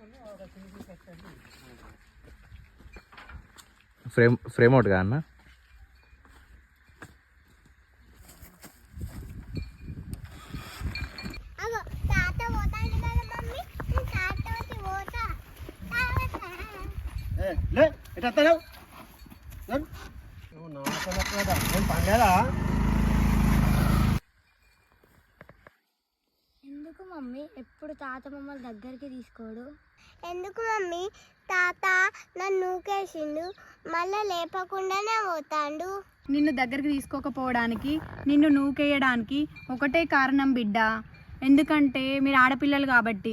Frame out గా అన్న. ఎందుకు మమ్మీ ఎప్పుడు తాత మమ్మల్ని దగ్గరికి తీసుకోడు? ఎందుకు మమ్మీ తాత నన్ను నూకేసిండు, మళ్ళా లేపకుండానే పోతాండు. నిన్ను దగ్గరికి తీసుకోకపోవడానికి, నిన్ను నూకేయడానికి ఒకటే కారణం బిడ్డ, ఎందుకంటే మీరు ఆడపిల్లలు కాబట్టి.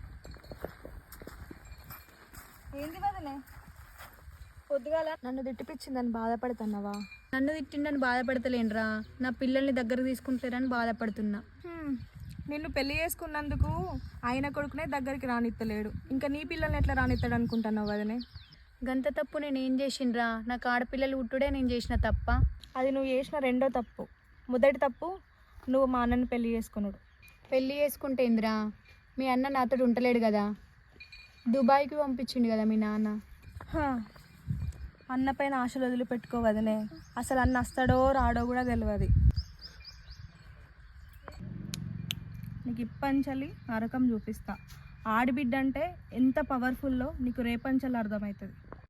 ఏంది వదిలే పొద్దుగాల నన్ను తిట్టిపించిందని బాధపడుతున్నావా? నన్ను తిట్టిండని బాధపడతలేనురా, నా పిల్లల్ని దగ్గరకు తీసుకుంటలేరని బాధపడుతున్నా. నిన్ను పెళ్లి చేసుకున్నందుకు ఆయన కొడుకునే దగ్గరికి రానిత్తలేడు, ఇంకా నీ పిల్లల్ని ఎట్లా రానిస్తాడు అనుకుంటున్నావు వదినే? గంత తప్పు నేను ఏం చేసిండ్రా? నాకు ఆడపిల్లలు ఉట్టుడే నేను చేసిన తప్ప? అది నువ్వు చేసిన రెండో తప్పు. మొదటి తప్పు నువ్వు మా అన్నని పెళ్లి చేసుకున్నాడు. పెళ్ళి చేసుకుంటే ఏందిరా, మీ అన్న నాతో ఉండలేడు కదా, దుబాయ్కి పంపించిండు కదా మీ నాన్న. అన్న పైన ఆశలు వదిలిపెట్టుకోవదనే, అసలు అన్న వస్తాడో రాడో కూడా తెలియదు. నీకు ఇప్పంచలి నరకం చూపిస్తా. ఆడిబిడ్డ అంటే ఎంత పవర్ఫుల్లో నీకు రేపంచలు అర్థమవుతుంది.